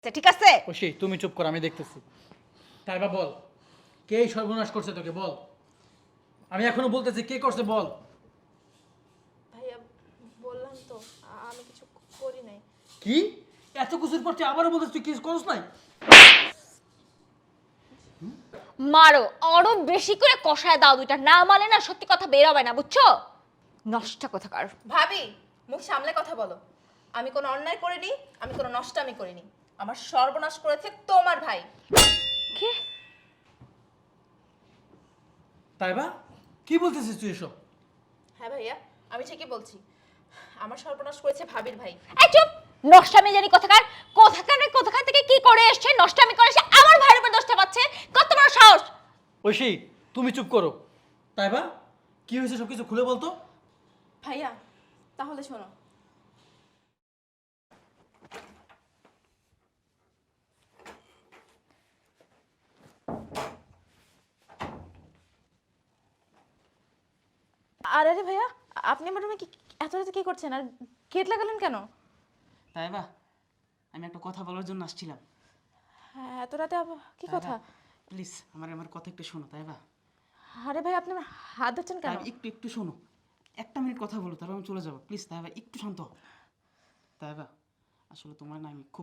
ঠিক আছে? ঐশী তুমি চুপ কর, আমি দেখতেছি। তাইবা বল, কে এই সর্বনাশ করছে তোকে বল। আমি এখনো বলতেছি কে করছে বল। ভাইয়া বললাম তো আমি কিছু করি নাই। কি এত কিছুর পর তুই আবারও বলতেছিস তুই কিছু করছ নাই? মারো, আরো বেশি করে কষায় দাও দুইটা, না মারলে না সত্যি কথা বের হবে না, বুঝছো? নষ্ট কোথাকার। ভাবি মুখ সামলে কথা বলো। আমি কোনো অন্যায় করিনি, আমি কোনো নষ্টামি করিনি। আমার সর্বনাশ করেছে তোমার ভাই। কি? তাইবা কি বলতেছিস তুই এসব? হ্যাঁ ভাইয়া, আমি ঠিকই বলছি। আমার সর্বনাশ করেছে ভাবির ভাই। এই চুপ! নষ্টামি জানি কোথাকার, কোথাকার থেকে কি করে এসছে, নষ্টামি করে এসে আমার ভাইয়ের উপর দোষটা পাচ্ছে, কত বড় সাহস! ঐশী তুমি চুপ করো। তাইবা কি হয়েছে সব কিছু খুলে বলতো। ভাইয়া তাহলে শোনো। আরে ভাইয়া, আপনি আমার রুমে এত রাতে কি করছেন আর গেট লাগালেন কেন? তাইবা আমি একটা কথা বলার জন্য আসছিলাম। হ্যাঁ, এত রাতে কি কথা? প্লিজ আমার কথা একটু শোনো তাইবা। আরে ভাই আপনি আমার হাত ধরছেন কেন? তাইবা একটু শোনো, একটা মিনিট কথা বলো তারপর আমি চলে যাবো। প্লিজ তাইবা একটু শান্ত হও। তাইবা আসলে তোমার না আমি খুব